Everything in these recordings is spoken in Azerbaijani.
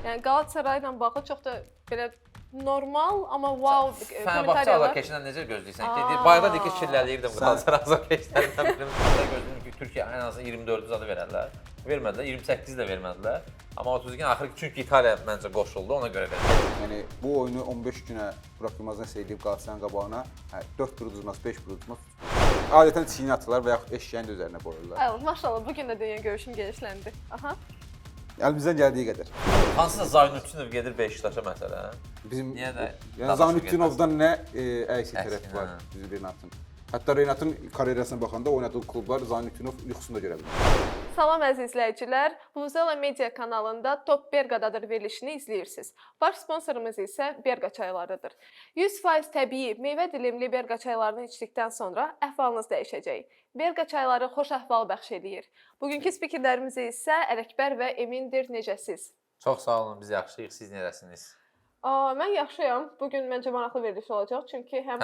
Yəni Qalatasarayla bağlı çox da belə normal, amma wow Fenerbahçe Azarkeşindən necə gözləyirsən ki? Bayaqda deyir ki, şilləliyirdim Qalatasaray Azarkeşindən birini. Gözləyirdim ki, Türkiyə ən azı 24 zadı verərlər. Vermədilər, 28 də vermədilər. Amma 32 axırı çünki İtaliya məncə qoşuldu, ona görə verdi. Yəni bu oyunu 15 günə Burak Yılmazdan seyredib Qalatasarayın qabağına 4 tur uduzmaz, 5 tur uduzmaz. Adətən çiyini atırlar və yaxud eşyəyin də üzərinə qoyurlar. Ay, maşallah bu gün də dünya görüşüm genişləndi. Aha. Əlimizdən gəldiyi qədər. Hansısa Zaynutdinov gedir Beşiktaşa məsələn. Bizim Niyə də? yəni Zaynutdinovdan nə əksi tərəf var bizim Renatın. Hətta Renatın karyerasına baxanda oynadığı klublar Zaynutdinov yuxusunda görə bilir. Salam əziz izləyicilər. Vuvuzela Media kanalında Top Berqadadır verilişini izləyirsiniz. Baş sponsorumuz isə Berqa çaylarıdır. 100% təbii, meyvə dilimli Berqa çaylarını içdikdən sonra əhvalınız dəyişəcək. Berqa çayları xoş əhval bəxş edir. Bugünkü spikerlərimiz isə Ələkbər və Emindir. Necəsiz? Çox sağ olun, biz yaxşıyıq. Siz necəsiniz? Mən yaxşıyam. Bugün məncə maraqlı veriliş olacaq. Çünki həm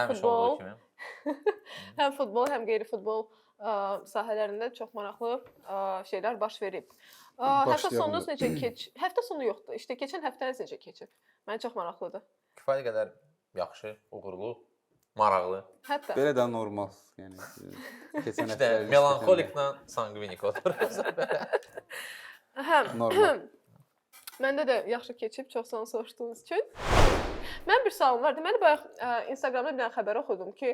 futbol, həm qeyri-futbol sahələrində çox maraqlı şeylər baş verib. Həftə sonunuz necə keçib? Həftə sonu yoxdur. İşte keçən həftəniz necə keçib? Mənə çox maraqlıdır. Kifayət qədər yaxşı, uğurlu, maraqlı. Hətta Belə də normal, yəni keçən həftə melanxoliklə sanqvinik olur. Normal. Məndə də yaxşı keçib, çox sağ olun soruşduğunuz üçün. Mənim bir sualım var. Deməli bayaq Instagramda bir dənə xəbər oxudum ki,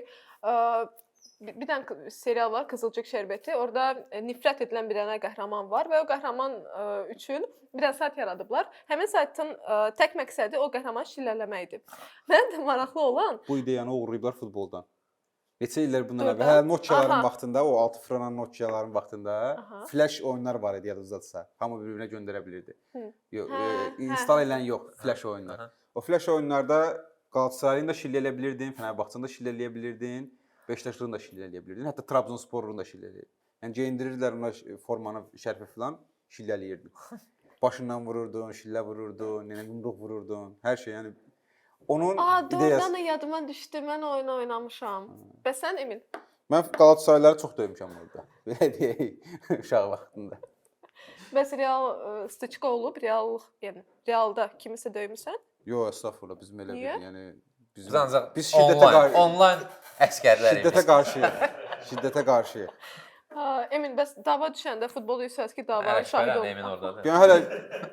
bir dənə serial var, Qızılcıq şərbəti. Orada nifrət edilən bir dənə qəhrəman var və o qəhrəman üçün bir dənə sayt yaradıblar. Həmin saytın tək məqsədi o qəhrəmanı şillələməkdir. Mənim də maraqlı olan bu ideyanı uğurlayıblar futboldan. Neçə illər bundan əvvəl Nokiaların vaxtında, o 6 franan Nokiaların vaxtında flash oyunlar var idi yadınızdadsa. Hamı bir-birinə göndərə bilirdi. Yox, install edən yox, flash oyunlar. O flash oyunlarda Qalatasarayını da şilləyə bilirdin, Fenerbahçəni də şilləyə bilirdin, Beşiktaşlını da şilləyə bilirdin, hətta Trabzonsporunu da şilləyə. Yəni geyindirirlər ona formanı, şərfi filan, şillələyirdin. Başından vururdun, şillə vururdun, yumruq vururdun, hər şey yəni. Onun doğrudan da yadıma düşdü. Mən oyun oynamışam. Bəs sən Emin? Mən Qalatasarayları çox döymüşəm orada. Belə deyək, uşaq vaxtında. Bəs real stiçka olub, yəni realda kimisə döymüsən? Yox, əstəğfurullah, bizim elə bir, yəni biz onlayn əsgərləriyik. Şiddətə qarşıyıq. Şiddətə qarşıyıq. Emin, bəs dava düşəndə futbol yüksəz ki, davanın şahidi olub. Emin ordadır. Yəni hələ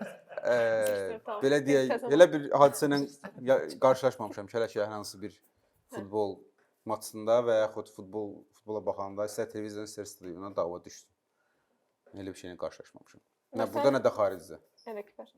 belə deyək, elə bir hadisə ilə qarşılaşmamışam ki, hələ ki, hər hansı bir futbol maçında və yaxud futbola baxanda istər televizyon, istər stadionda dava düşdü. Elə bir şeylə qarşılaşmamışam. Nə burada, nə də xaricdə. Ələkbər.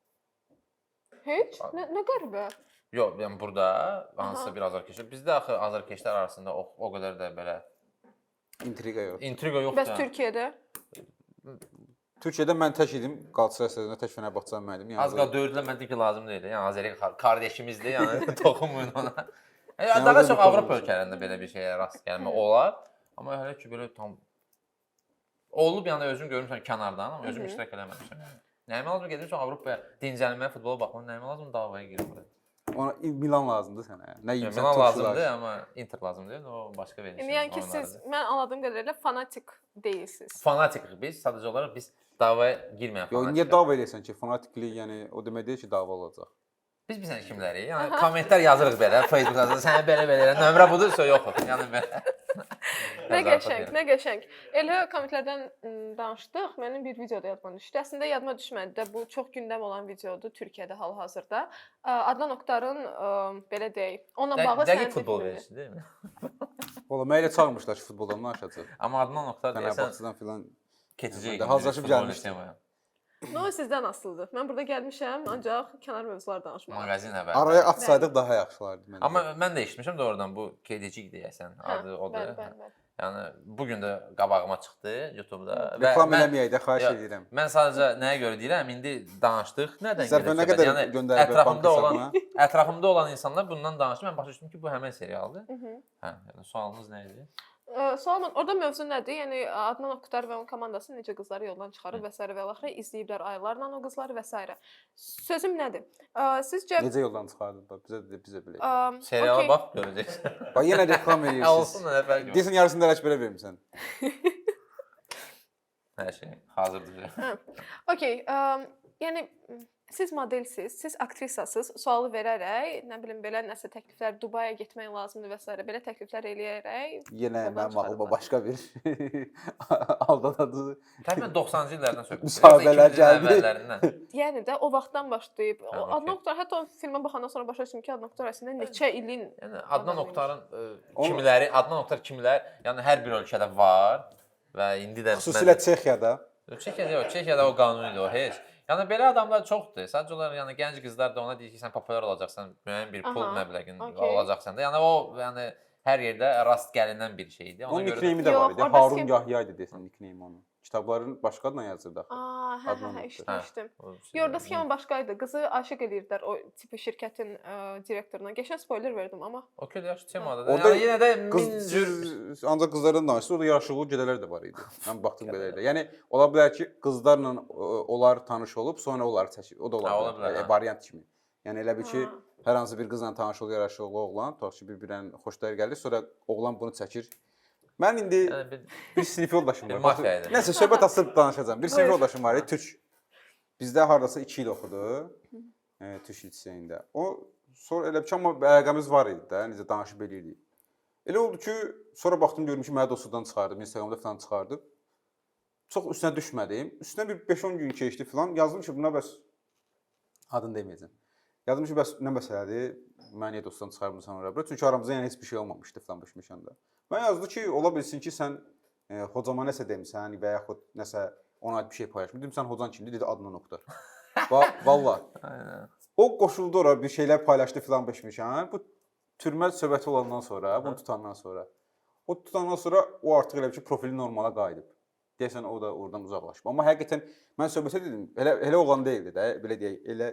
Heç? Nə qəribə? Yox, yəni burada hansısa bir azarkeşlər. Bizdə axı azarkeşlər arasında o qədər də belə intriqa yox. İntriqa yoxdur. Bəs Türkiyədə? Türkiyədə mən tək idim, Qalatasaray stadionunda tək Fenerbahçəni məndim. Az qala dördülər, mən dedim ki, lazım deyil. Yəni Azəri qardaşımızdır, yəni toxunmayın ona. Daha çox Avropa ölkələrində belə bir şeyə rast gəlmə olar. Amma hələ ki belə tam olub, yəni özüm görmüşəm kənardan, amma özüm iştirak eləməmişəm. Nəyimə lazım gedirsən Avropaya dincəlməyə, futbola baxmaq, nəyimə lazım davaya girmək? Ona Milan lazımdır sənə. Nə yimsən Milan lazımdır, amma Inter lazımdır. O başqa verilişdir. Yəni ki, siz mən anladığım qədərilə fanatik deyilsiniz. Fanatikik biz, sadəcə olaraq biz davaya girməyən fanatikik. Yox, niyə dava eləyirsən ki, fanatiklik, yəni o demək deyil ki, dava olacaq. Biz bilsən kimlərik? Yəni kommentlər yazırıq belə, Facebookda sənə belə nömrə budursa yox. Yəni belə. Nə qəşəng, nə qəşəng. Elə kommentlərdən danışdıq. Mənim bir videoda yadıma düşdü. Əslində yadıma düşmədi də, bu çox gündəm olan videodur Türkiyədə hal-hazırda. Adnan Oktarın belə deyək, onunla bağlı dəqiq futbol verirsin, deyilmi? Valla mənə elə çağırmışlar ki, futboldan danışacaq. Amma Adnan Oktar deyəsən Fenerbahçedən filan keçəcək. Hazırlaşıb gəlmişdim. No, sizdən asılıdır. Mən burada gəlmişəm, ancaq kənar mövzular danışmağa. Mağazin əvvəl. Araya atsaydıq daha yaxşılardı məncə. Amma mən də eşitmişəm də oradan bu kedicik deyəsən, adı odur. Yəni bu gün də qabağıma çıxdı YouTube-da. Reklam eləməyək də, xahiş edirəm. Mən sadəcə nəyə görə deyirəm? İndi danışdıq. Nədən gedir? Nə qədər göndəriblər bank hesabına? Ətrafımda olan insanlar bundan danışdı. Mən başa düşdüm ki, bu həmin serialdır. Hə, yəni sualınız nə idi? Sualım, orada mövzu nədir? Yəni Adnan Oktar və onun komandası necə qızları yoldan çıxarıb və s. və axırı izləyiblər aylarla o qızları və s. Sözüm nədir? Sizcə necə yoldan çıxardılar? Bizə belə. Seriala bax görəcəksən. Bax yenə reklam eləyirsiniz. Olsun nə fərqi var? Deyirsən yarısını da Ələkbərə vermisən. Hər şey hazırdır. Okay. yəni siz modelsiz, siz aktrisasız, sualı verərək, nə bilim belə nəsə təkliflər, Dubaya getmək lazımdır və s. belə təkliflər eləyərək Yenə yoldan mənim ağlıma çıxarıblar. başqa bir aldadadı Təxminən 90-cı illərdən söhbət. müsahibələr gəldi. Əvvəllərindən. Yəni də o vaxtdan başlayıb. O okey. Adnan Oktar hətta o filmə baxandan sonra başa düşdüm ki, Adnan Oktar əslində neçə ilin Yəni Adnan adamıymış. Oktarın kimləri, Adnan Oktar kimlər, yəni hər bir ölkədə var və indi də Xüsusilə Çexiyada. Çexiyada yox, Çexiyada o qanunidir o heç. Yəni belə adamlar çoxdur. Sadəcə olaraq yəni gənc qızlar da ona deyir ki, sən populyar olacaqsan, müəyyən bir pul Aha, məbləğin okey. olacaqsan da. Yəni o yəni hər yerdə rast gəlinən bir şeydir. Onun görə nickname də Yox, var idi. orada Harun kim- Yahya idi desən nickname onun. Kitabların başqa adla yazırdı axı. Hə, Adnan Oktar. eşitmişdim. o şey- Yorda sxema başqa idi. Qızı aşiq edirdilər o tipi şirkətin direktoruna. Geçən spoiler verdim amma. Okey, yaxşı temadır. da. Orada Yəni yenə də min Qız cür ancaq qızlardan danışdı. Orada yaraşıqlı gedələr də var idi. Mən baxdım belə elə. Yəni ola bilər ki, qızlarla onlar tanış olub, sonra onları çəkir. O da Ha, ola ola bilər. bilər, ha. Variant kimi. Yəni elə bil ki, Ha. hər hansı bir qızla tanış olur, yaraşıqlı oğlan, tutaq ki, bir-birindən xoşları gəlir, sonra oğlan bunu çəkir. Mən indi yəni bir sinif yoldaşım Bir var. mafiya idi. Nəsə söhbət açıb danışacağam. Bir sinif Buyur. yoldaşım var, türk. Bizdə hardasa 2 il oxudu. Türk liseyində. O sonra elə bir ki, amma əlaqəmiz var idi də, necə danışıb eləyirdik. Elə oldu ki, sonra baxdım görüm ki, məni dostudan çıxardım, Instagramda falan çıxardım. Çox üstünə düşmədim. Üstünə bir 5-10 gün keçdi falan. Yazdım ki, buna bəs adını deməyəcəm. Yazdım ki, bəs nə məsələdir? Məni niyə dostdan çıxarmısan ora bura? Çünki aramızda yəni heç bir şey olmamışdı falan başmışanda. Mən yazdı ki, ola bilsin ki, sən hocama nəsə demisən və yaxud nəsə ona aid bir şey paylaşmısan. Dedim, sən hocan kimdir? Dedi, Adnan Oktar. Vallahi. Aynen. O qoşuldu ora, bir şeylər paylaşdı filan beşmişən. Bu türmə söhbəti olandan sonra, bunu tutandan sonra. O tutandan sonra o artıq elə bir ki, profili normala qayıdıb. Deyəsən o da oradan uzaqlaşıb. Amma həqiqətən mən söhbətə dedim, elə oğlan deyildi də, belə deyək, elə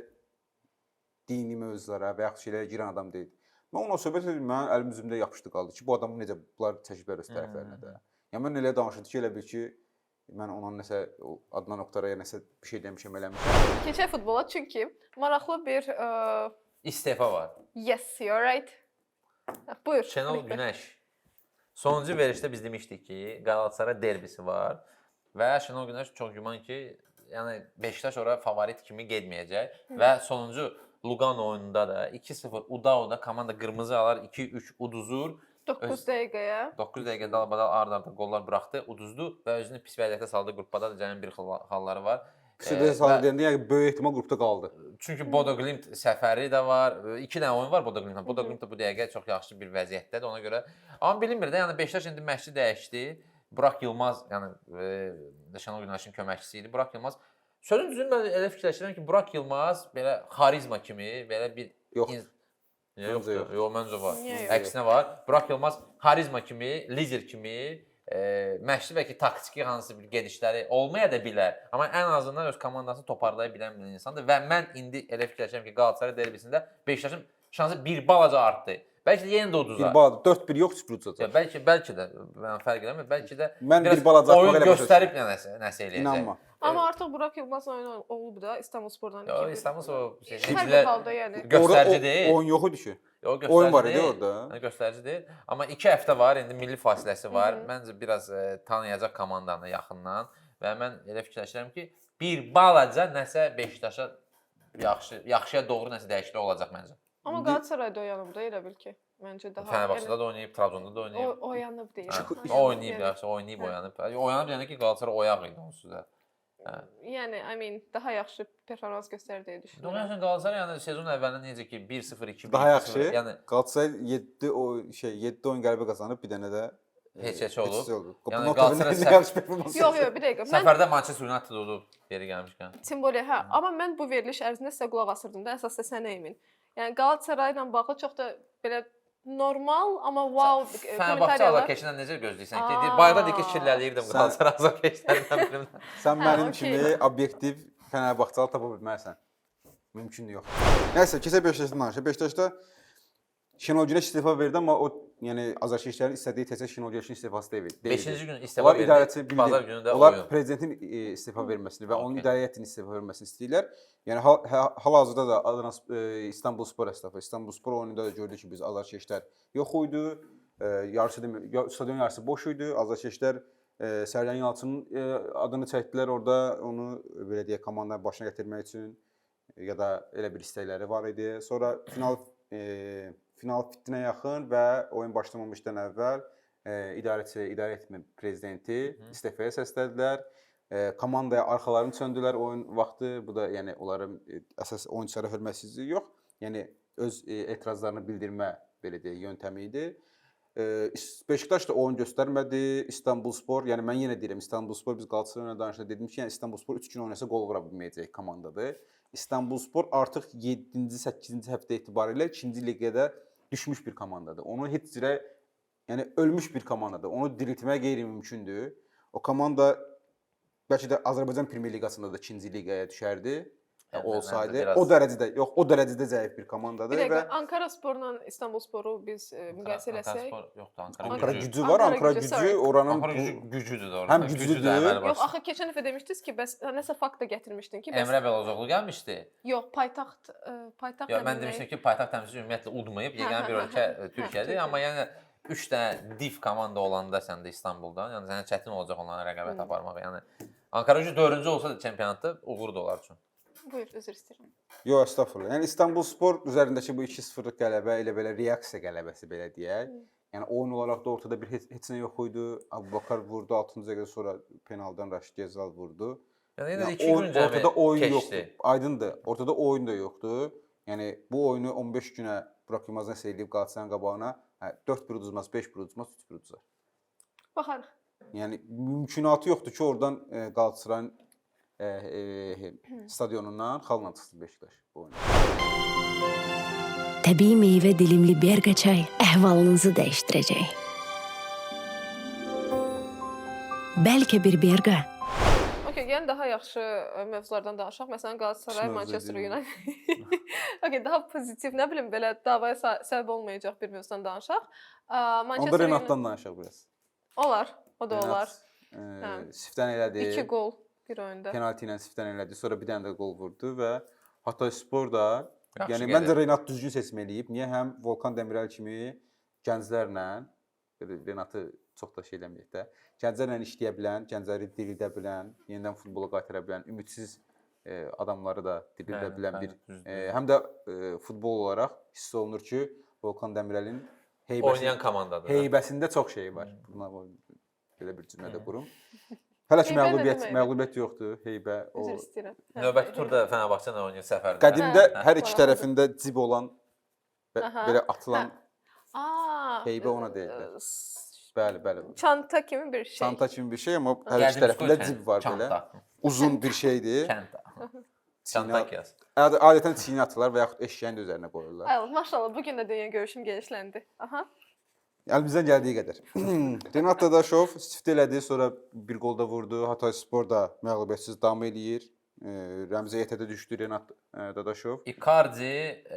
dini mövzulara və yaxud şeylərə girən adam deyildi. Mən onunla söhbət edim, mənim əlim üzümdə yapışdı qaldı ki, bu adamı necə bunlar çəkiblər öz tərəflərinə də. Yəni mən elə danışırdı ki, elə bil ki, mən onun nəsə Adnan Oktar'a nəsə bir şey demişəm, eləmişəm. Keçək futbola çünki maraqlı bir İstefa var. yes, you're right. Buyur. Şenol Mehmet. Günəş. Sonuncu verişdə biz demişdik ki, Qalatasaray derbisi var və Şenol Günəş çox güman ki, yəni Beşiktaş ora favorit kimi getməyəcək və sonuncu Lugano oyununda da 2-0 Udau'da komanda qırmızı alır, 2-3 uduzur. 9 dəqiqəyə. 9 dəqiqə dalbadal ard-arda qollar buraxdı, uduzdu və özünü pis vəziyyətə saldı. Qrupda da cəmin bir halları var. Pis saldı deyəndə yəni böyük ehtimal qrupda qaldı. Çünki Bodo Glimt səfəri də var. 2 dənə oyun var Bodo Glimtlə. Bodo Glimt də bu dəqiqə çox yaxşı bir vəziyyətdədir ona görə. Amma bilinmir də, yəni Beşiktaş indi məşqçi dəyişdi. Burak Yılmaz, yəni Şenol Günəşin köməkçisi idi. Burak Yılmaz sözün düzünü mən elə fikirləşirəm ki, Burak Yılmaz belə xarizma kimi, belə bir Yox. Yox, məncə var. Niyə yox? Əksinə var. Burak Yılmaz xarizma kimi, lider kimi, məşqçi bəlkə taktiki hansı bir gedişləri olmaya da bilər. Amma ən azından öz komandasını toparlaya bilən bir insandır və mən indi elə fikirləşirəm ki, Qalatasaray derbisində Beşiktaşın şansı bir balaca artdı. Bəlkə də yenə də uduzar. Bir balaca 4-1 yox, 0 uduzacaq. Bəlkə də mən fərq eləmirəm. Bəlkə də Mən biraz bir balaca oyun belə başa göstərib nəsə eləyəcək. İnanma. Amma artıq Burak Yılmaz oyunu olub da İstanbulspordan. Yox, İstanbul o Hər bir halda yəni. göstərici deyil. Oyun yox idi ki. Yox, Oyun var göstərici idi deyil. orada. Göstərici deyil. Amma 2 həftə var, indi milli fasiləsi var. Məncə biraz tanıyacaq komandanı yaxından və mən elə fikirləşirəm ki, bir balaca nəsə Beşiktaşa yaxşıya doğru nəsə dəyişiklik olacaq məncə. Amma Qalatasarayda oyanıb da elə bil ki. Məncə daha. Fenerbahçe'də də oynayıb, Trabzonda da oynayıb. Oyanıb deyil. O oynayıb, yaxşı, oynayıb, oyanıb. Oyanıb deyəndə ki, Qalatasaray oyaq idi onsuz da. Yəni, I mean, daha yaxşı performans göstərir deyə düşünürəm. Doğrudan Qalatasaray yəni sezon əvvəlində necə ki 1-0, 2-1, Daha yaxşı. yəni Qalatasaray 7 oyun qələbə qazanıb, bir dənə də heç olub. Yəni Qalatasaray Yox, bir dəqiqə. Mən səfərdə Manchester United olub yeri gəlmişkən. Timboli, hə, amma mən bu veriliş ərzində sizə qulaq asırdım da, əsas da sənə emin. Yəni Qalatasaray ilə bağlı çox da belə normal, amma wow Fenerbahçe azarkeşindən necə gözləyirsən ki? Bayaqda deyir ki, kirləliyirdim Qalatasaray azarkeşlərindən birindən. Sən mənim okey. kimi obyektiv Fenerbahçalı tapa bilməzsən. Mümkün yox. Nəysə, keçək Beşiktaşdan danışaq. Beşiktaşda Şenol Güneş istefa verdi, amma o yəni azarkeşlərin istədiyi təkcə Şenol Güneşin istifası deyil. 5-ci gün istefa Onlar verdi. idarəçi Bazar günü də onlar oyun. prezidentin istefa verməsini və onun Okey. idarə heyətinin istefa verməsini istəyirlər. Yəni hal-hazırda da Adana İstanbulspor əsnafı, İstanbulspor oyununda da gördük ki, biz azarkeşlər yox idi. Yarısı stadion yarısı boş idi. Azarkeşlər Sərdən Yalçının adını çəkdilər orada, onu belə deyək, komandanın başına gətirmək üçün ya da elə bir istəkləri var idi. Sonra final fittinə yaxın və oyun başlamamışdan əvvəl idarə etmə prezidenti istefaya səslədilər. Komandaya arxalarını çöndülər oyun vaxtı. Bu da yəni onların əsas oyunçulara hörmətsizliyi yox, yəni öz etirazlarını bildirmə belə deyək yöntəmi idi. Beşiktaş da oyun göstərmədi. İstanbulspor, yəni mən yenə deyirəm, İstanbulspor biz Qalatasarayla danışanda dedim ki, yəni İstanbulspor 3 gün oynasa qol vura bilməyəcək komandadır. İstanbulspor artıq 7-ci, 8-ci həftə etibarilə 2-ci liqada düşmüş bir komandadır. Onu heç cürə, yəni ölmüş bir komandadır. Onu diriltmək qeyri-mümkündür. O komanda bəlkə də Azərbaycan Premyer Liqasında da 2-ci liqaya düşərdi. Olsaydı, o dərəcədə, yox, o dərəcədə zəif bir komandadır. Bir dəqiqə, Ankara Sporla İstanbulsporu biz müqayisə eləsək. Ankara gücü var, Ankara gücü oranın gücüdür də orada. Həm güclüdür. Yox, axı keçən dəfə demişdiniz ki, bəs nəsə fakt da gətirmişdin ki, bəs Emre Belözoğlu gəlmişdi. Yox, paytaxt Yox, mən demişdim ki, paytaxt təmsilçisi ümumiyyətlə udmayıb, yeganə bir ölkə Türkiyədir, amma yəni 3 dənə div komanda olanda sən də İstanbuldan, yəni sənə çətin olacaq onlara rəqabət aparmaq. Yəni Ankara gücü 4-cü olsa da çempionatda uğur da olar üçün. Buyur, üzr istəyirəm. Yox, estağfurullah. Yəni İstanbulspor üzərindəki bu 2-0-lıq qələbə elə belə reaksiya qələbəsi belə deyək. Yəni oyun olaraq da ortada bir heç nə yox idi. Abubakar vurdu 6-cı dəqiqədə, sonra penaldan Raşid Gezal vurdu. Yəni yenə də 2 gün cəmi ortada oyun keçdi. yoxdur. Aydındır. Ortada oyun da yoxdur. Yəni bu oyunu 15 günə Burak Yılmaz nəsə eləyib Qalatasarayın qabağına 4 bir uduzmaz, 5 bir uduzmaz, 3 bir uduzar. Baxarıq. Yəni mümkünatı yoxdur ki, oradan Qalatasarayın stadionundan xalla çıxsın Beşiktaş bu oyunda. Təbii meyvə dilimli Berqa çay əhvalınızı dəyişdirəcək. Bəlkə bir Berqa. Okay, yəni daha yaxşı mövzulardan danışaq. Məsələn, Galatasaray, Manchester United. Okay, daha pozitiv, nə bilim, belə davaya səbəb olmayacaq bir mövzudan danışaq. Onda Renatdan danışaq biraz. Olar, o da olar. Siftən elədi. 2 gol bir oyunda. Penalti ilə siftən elədi. Sonra bir dənə də qol vurdu və Hatayspor da, yaxşı yəni gəlir. məncə Renat düzgün seçim eləyib. Niyə? Həm Volkan Demirel kimi gənclərlə, Renatı çox da şey eləməyək də, gənclərlə işləyə bilən, gəncləri diridə bilən, yenidən futbola qaytara bilən, ümidsiz adamları da diridə bilən bir, həm də futbol olaraq hiss olunur ki, Volkan Demirelin oynayan komandadır. Heybəsində çox şey var. Buna belə bir cümlə də qurum. Hələ ki məğlubiyyət yoxdur, heybə. Üzr istəyirəm. Növbəti turda Fenerbahçe ilə oynayır səfərdə. Qədimdə hər iki tərəfində cib olan, belə atılan heybə ona deyirlər. Bəli, bəli. Çanta kimi bir şey. Çanta kimi bir şey, amma hər iki tərəfində cib var belə. Uzun bir şeydir. Çanta yaz. Adətən çiyinə atırlar və yaxud eşyəyin də üzərinə qoyurlar. Ay, maşallah, bugün də dünya görüşüm genişləndi. Aha. Əlimizdən gəldiyi qədər. Renat Dadaşov istifa elədi, sonra bir qol da vurdu. Hatayspor da məğlubiyyətsiz davam eləyir. Rəmzi heyətə düşdü Renat Dadaşov. Icardi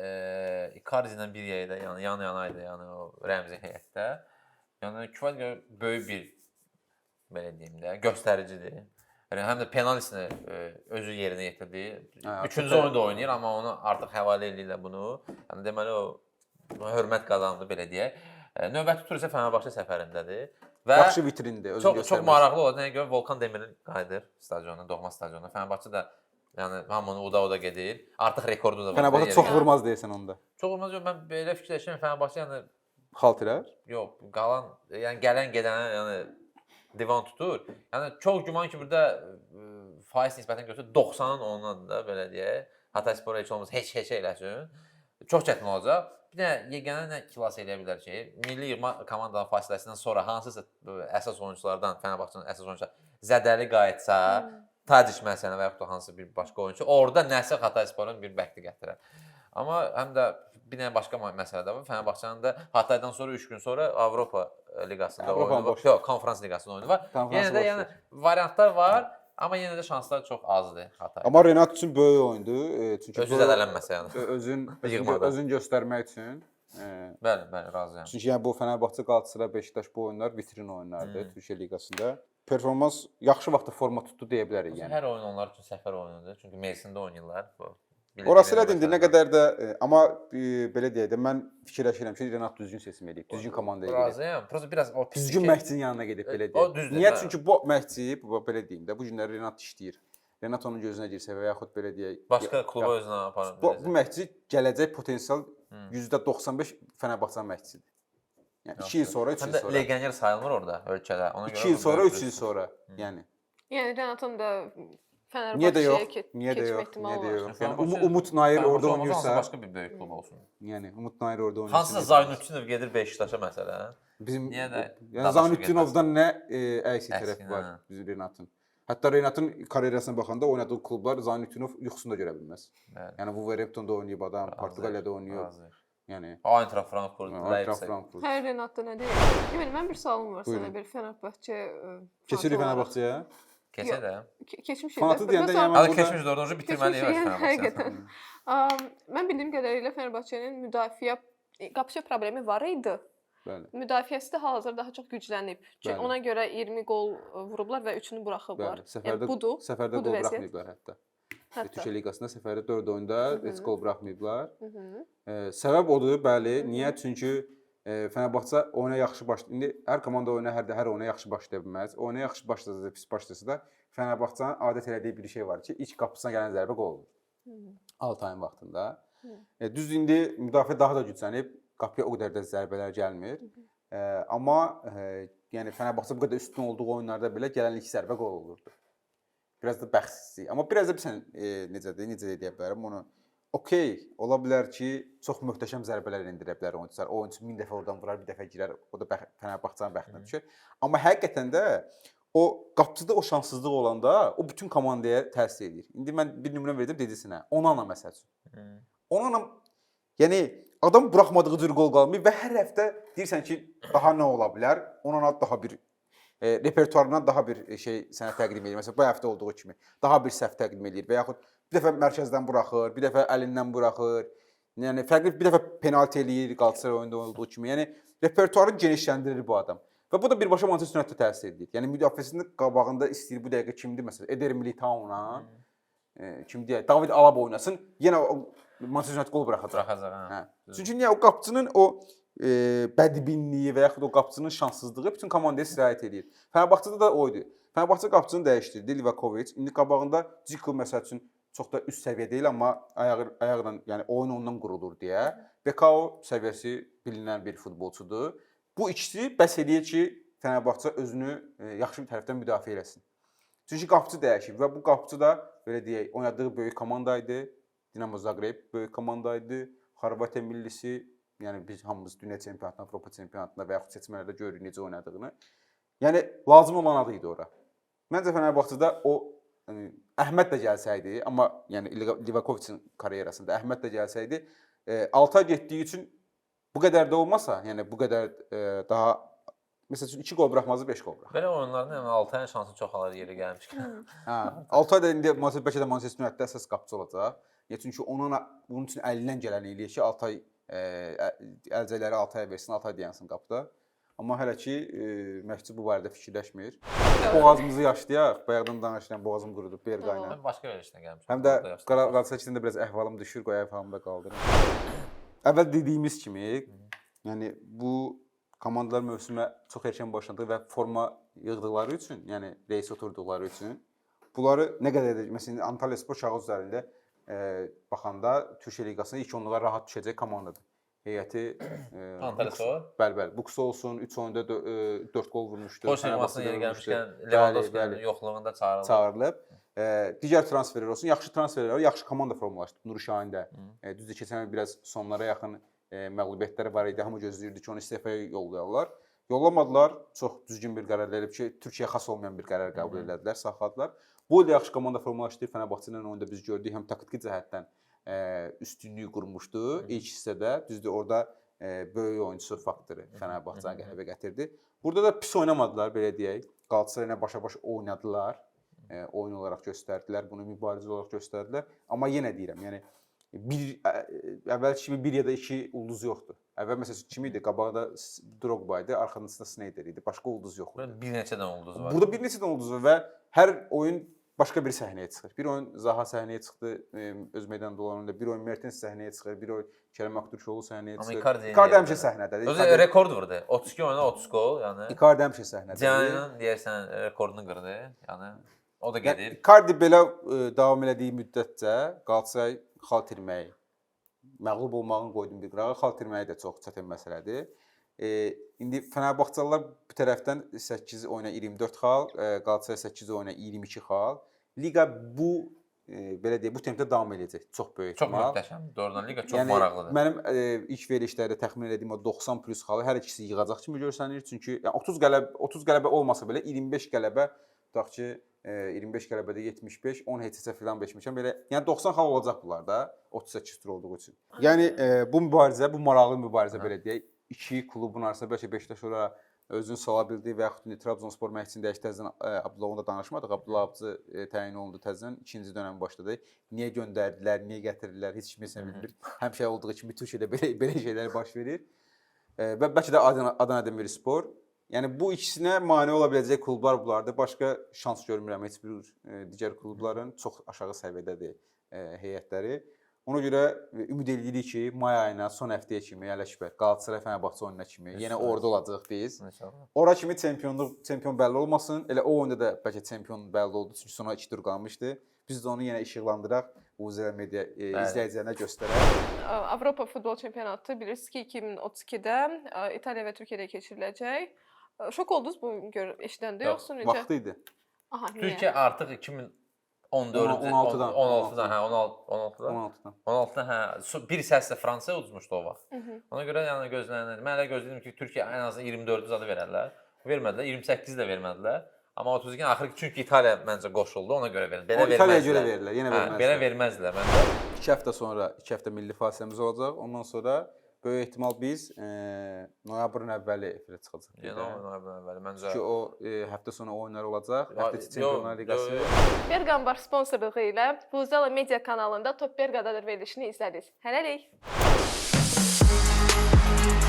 ilə bir yerdə, yəni yan-yanaydı, yəni o Rəmzi heyətdə. Yəni kifayət böyük bir belə deyim də, göstəricidir. Yəni həm də penaltisini özü yerinə yetirdi. 3-cü oyunda oynayır, amma onu artıq həvalə edirlər bunu. Yəni deməli o hörmət qazandı belə deyək. Növbəti tur isə Fenerbahçe səfərindədir və yaxşı vitrindir, özünü göstərmək. Çox maraqlı oldu. Nəyə görə Volkan Demirel qayıdır stadionuna, doğma stadionuna. Fenerbahçe də yəni hamını uda gedir. Artıq rekordu da var. Fenerbahçe çox vurmaz deyirsən onda. Çox vurmaz yox, mən belə fikirləşirəm Fenerbahçe yəni xaltirər? Yox, qalan yəni gələn gedənə yəni divan tutur. Yəni çox güman ki, burada faiz nisbətən götür 90-ın onundadır da belə deyək. Hatayspor heç olmaz heç eləsin. Çox çətin olacaq. Bir də yeganə nə xilas eləyə bilər ki, milli yığma komandanın fasiləsindən sonra hansısa əsas oyunçulardan, Fenerbahçenin əsas oyunçuları zədəli qayıtsa, Tadic məsələn və yaxud da hansısa bir başqa oyunçu, orada nəsə Hataysporun bir bəxti gətirər. Amma həm də bir dənə başqa məsələ də var. Fenerbahçenin də Hataydan sonra 3 gün sonra Avropa liqasında oyunu var. Yox, konferans liqasında oyunu var. Yenə də yəni variantlar var. Amma yenə də şanslar çox azdır Hatay. Amma Renat üçün böyük oyundur. Çünki özü zədələnməsə yəni. Özün göstərmək üçün. Bəli, razıyam. Çünki yəni bu Fenerbahçe, Galatasaray, Beşiktaş bu oyunlar vitrin oyunlardır Türkiyə liqasında. Performans yaxşı vaxtda forma tutdu deyə bilərik yəni. Hər oyun onlar üçün səfər oyunudur. Çünki mövsümdə oynayırlar. Orası elədir, indi nə qədər də amma belə deyək də mən fikirləşirəm ki, Renat düzgün seçim edib, düzgün komandaya gedib. Razıyam. Prosta biraz o pis. Düzgün məşqçinin yanına gedib belə O deyək. düzdür, Niyə? hə. Çünki bu məşqçi, belə deyim də, bu günləri Renat işləyir. Renat onun gözünə girsə və yaxud belə deyək, Başqa kluba özünə aparır. bu məşqçi gələcək potensial %95 Fənərbağçanın məşqçisidir. Yəni 2 il sonra, 3 il Həm də sonra. legioner sayılmır orada ölkədə. Ona 2 il sonra, 3 il sonra. Yəni Yəni Renatın da niyə də yox? Fənərbağçəyə Niyə də keçmə yox? ehtimalı Niyə də var. yox? Yəni Umut Nayır orada oynayırsa, başqa bir böyük klub olsun. yəni Umut Nayır orada oynayırsa. Hansısa Zaynutdinov gedir Beşiktaşa məsələn. Bizim Niyə də yəni Zaynutdinovdan nə əksi Əksi, tərəfi var hə. bizim Renatın. Hətta Renatın karyerasına baxanda oynadığı klublar Zaynutdinov yuxusunda görə bilməz. Bəli. Yəni Wolverhamptonda oynayıb adam, Portuqaliyada oynayıb. Razıyıq. Yəni Eintracht Frankfurt, Eintracht Leipzig. Frankfurt. Hər Renatda nə deyir? Yemin mən bir sualım var Buyurun. sənə bir Fənərbağçə. keçirik Fənərbağçaya. Keçə də. Keçmişik. Fanatı deyəndə yəni Hələ burada keçmiş dördüncü bitirməliyik Keçmişik, Fənərbağçə. həqiqətən. Mən bildiyim qədərilə Fənərbağçənin müdafiə qapıçı problemi var idi. bəli. Müdafiəsi də hal-hazırda daha çox güclənib. Çünki Bəli. ona görə 20 qol vurublar və 3-ünü buraxıblar. Bəli. Səfərdə budur. səfərdə budur qol vəziyyət. buraxmayıblar hətta. Hətta. Türkiyə liqasında səfərdə 4 oyunda heç qol buraxmayıblar. Mhm. Səbəb odur, bəli. Niyə? Çünki Fənərbağçə oyuna yaxşı başlayır. İndi hər komanda oyuna hər oyuna yaxşı başlaya bilməz. Oyuna yaxşı başlasa da, pis başlasa da Fənərbağçanın adət elədiyi bir şey var ki, ilk qapısına gələn zərbə qol olur. Altayın vaxtında. Düzdür, indi müdafiə daha da güclənib, qapıya o qədər də zərbələr gəlmir. Amma yəni Fənərbağçə bu qədər üstün olduğu oyunlarda belə gələn ilk zərbə qol olurdu. Biraz da bəxtsizlik. Amma biraz da sən necə deyə bilərəm onu. Okey, ola bilər ki, çox möhtəşəm zərbələr endirə bilər oyunçular. O oyunçu 1000 dəfə oradan vurar, bir dəfə girər. O da Fənərbağçanın bəxtinə düşür. Amma həqiqətən də o qapıcıda o şanssızlıq olanda o bütün komandaya təsir edir. İndi mən bir nümunə verdim dedisinə. Onana məsəl üçün. Onana yəni adam buraxmadığı cür qol qalmır və hər həftə deyirsən ki, daha nə ola bilər? Onana daha bir repertuarından daha bir şey sənə təqdim edir. Məsələn, bu həftə olduğu kimi daha bir səhv təqdim edir və yaxud bir dəfə mərkəzdən buraxır, bir dəfə əlindən buraxır. Yəni fərqli bir dəfə penalti eləyir Qalatasaray oyunda olduğu kimi. Yəni repertuarını genişləndirir bu adam. Və bu da birbaşa Manchester United-ə təsir edir. Yəni müdafiəsinin qabağında istəyir bu dəqiqə kimdir məsələn? Eder Militao-la kim deyək, David Alaba oynasın, yenə Manchester United qol buraxacaq. Buraxacaq, hə. Çünki niyə o qapıcının o bədbinliyi və yaxud o qapıcının şanssızlığı bütün komandaya sirayət edir. Fənərbağçada da o idi. Fənərbağçə qapıcını dəyişdirdi Livakovic. İndi qabağında Dzeko məsəl üçün çox da üst səviyyə deyil, amma ayaqla, yəni oyun ondan qurulur deyə. Bekao səviyyəsi bilinən bir futbolçudur. Bu ikisi bəs eləyir ki, Fənərbağçə özünü yaxşı bir tərəfdən müdafiə eləsin. Çünki qapıcı dəyişib və bu qapıcı da belə deyək, oynadığı böyük komanda idi. Dinamo Zagreb böyük komanda idi. Xorvatiya millisi, yəni biz hamımız dünya çempionatında, Avropa çempionatında və yaxud seçmələrdə görürük necə oynadığını. Yəni lazım olan adı idi ora. Məncə Fənərbağçədə o Əhməd də gəlsəydi, amma yəni Livakovicin karyerasında Əhməd də gəlsəydi, Altay getdiyi üçün bu qədər də olmasa, yəni bu qədər daha məsəl üçün 2 qol buraxmazdı, 5 qol buraxır. Belə oyunlarda yəni Altayın şansı çox alır yeri gəlmişkən. Hə, Altay da indi bəlkə də Manchester United-də əsas qapıcı olacaq. Çünki bunun üçün əlindən gələni eləyir ki, Altay əlcəkləri Altaya versin, Altay dayansın qapıda. Amma hələ ki məşqçi bu barədə fikirləşmir. Boğazımızı yaşlayaq. Bayaqdan danışıram, boğazım qurudub Berqayla. Mən başqa verilişdən gəlmişəm. Həm də Qalatasaray içində biraz əhvalım düşür, qoy əhvalımda qaldırım. Əvvəl dediyimiz kimi, yəni bu komandalar mövsümə çox erkən başladı və forma yığdıqları üçün, yəni reys oturduqları üçün bunları nə qədər də məsələn Antalyaspor kağız üzərində baxanda Türkiyə liqasına ilk onluğa rahat düşəcək komandadır. Heyəti Antalyaspor. Bəli, Buks olsun, 3 oyunda 4 qol vurmuşdu. Polşa liqasına yeri gəlmişkən Lewandowski-nin yoxluğunda çağırılıb. Digər transferlər olsun, yaxşı transferlər var, yaxşı komanda formalaşdı. Nuri Şahin də düzdür keçən il biraz sonlara yaxın məğlubiyyətləri var idi. Hamı gözləyirdi ki, onu istefaya yollayarlar. Yollamadılar. Çox düzgün bir qərar verib ki, Türkiyəyə xas olmayan bir qərar qəbul etdilər, saxladılar. Bu il yaxşı komanda formalaşdı. Fenerbahçe ilə oyunda biz gördük, həm taktiki cəhətdən üstünlüyü qurmuşdu ilk hissədə. Düzdür, orada böyük oyunçu faktoru Fenerbahçe'yə qələbə gətirdi. Burada da pis oynamadılar, belə deyək. Qalatasaray ilə başa-baş oynadılar. Oyun olaraq göstərdilər, bunu mübarizə olaraq göstərdilər. Amma yenə deyirəm, yəni əvvəlki kimi 1 ya da 2 ulduz yoxdur. Əvvəl məsələn kim idi? Qabaqda Drogba idi, arxasında Sneijder idi. Başqa ulduz yox idi. Bir neçə dənə ulduz var. Burada bir neçə dənə ulduz var və hər oyun başqa bir səhnəyə çıxır. Bir oyun Zaha səhnəyə çıxdı, öz meydanda olan oyunda. Bir oyun Mertens səhnəyə çıxır, bir oyun Kerem Aktürkoğlu səhnəyə Amma çıxır. Icardi Icardi həmişə səhnədədir. Özü rekord vurdu. 32 oyuna 30 gol, yəni. Icardi həmişə səhnədədir. Cian'ın deyərsən rekordunu qırdı. Yəni o da gedir. Icardi belə davam elədiyi müddətcə Qalatasaray xal itirməyi, məğlub olmağın qoyduğum bir qırağa xal itirməyi də çox çətin məsələdir. İndi Fenerbahçalılar bu tərəfdən 8 oyuna 24 xal, Qalatasaray 8 oyuna 22 xal. Liqa bu belə deyək, bu tempdə davam edəcək. Çox böyük ehtimal. Çox möhtəşəm. Doğrudan liqa çox maraqlıdır. Mənim ilk verilişlərdə təxmin etdiyim o 90 plus xalı hər ikisi yığacaq kimi görsənir. Çünki yəni 30 qələbə olmasa belə 25 qələbə tutaq ki 25 qələbədə 75, 10 heç-heçə filan beşmişəm. Belə yəni 90 xal olacaq bunlarda 38 tur olduğu üçün. Yəni bu mübarizə, bu maraqlı mübarizə belə deyək. İki klubun arasında bəlkə Beşiktaş ora özünü sala bildi və yaxud Trabzonspor məşqçisini dəyişdi. Təzədən Abdullah danışmadıq. Abdullah Abcı təyin olundu təzədən. İkinci dönəm başladı. Niyə göndərdilər, niyə gətirdilər, heç kim heç nə bilmir. Həmişə olduğu kimi Türkiyədə belə şeylər baş verir. Və bəlkə də Adana Demirspor. Yəni bu ikisinə mane ola biləcək klublar bunlardır. Başqa şans görmürəm heç bir digər klubların çox aşağı səviyyədədir heyətləri. Ona görə ümid edirik ki, may ayına, son həftəyə kimi Ələkbər, Qalatasaray Fenerbahçe oyununa kimi yenə orada olacağıq biz. Ora kimi çempion bəlli olmasın. Elə o oyunda da bəlkə çempion bəlli oldu. Çünki sona 2 tur qalmışdı. Biz də onu yenə işıqlandıraq, Uzəl media izləyicilərinə göstərək. Avropa futbol çempionatı bilirsiniz ki 2032-də İtaliya və Türkiyədə keçiriləcək. Şok oldunuz bu eşidəndə yoxsa necə? Vaxtı idi. Aha, niyə? Türkiyə artıq 16-dan, hə, 16-dan, hə, bir səslə Fransaya udmuşdu o vaxt. Ona görə yəni gözlənilirdi. Mən elə gözlədim ki, Türkiyə ən azından 24-ü zadı verərlər. Vermədilər, 28-i də vermədilər. Amma 32-ni axır ki, çünki İtaliya məncə qoşuldu, ona görə verildi. Belə verməzdilər. İtaliyaya görə verirlər, yenə verməzdilər. Belə verməzdilər məncə. 2 həftə sonra, 2 həftə milli fasiləmiz olacaq. Ondan sonra böyük ehtimal biz noyabrın əvvəli efirə çıxacaq. Yəni noyabrın əvvəli məncə. Çünki o həftə sonu oyunlar olacaq. Həftə içi Çempionlar Liqası. Bergambar sponsorluğu ilə Buzala Media kanalında Top Berqadadır verilişini izlədiniz. Hələlik.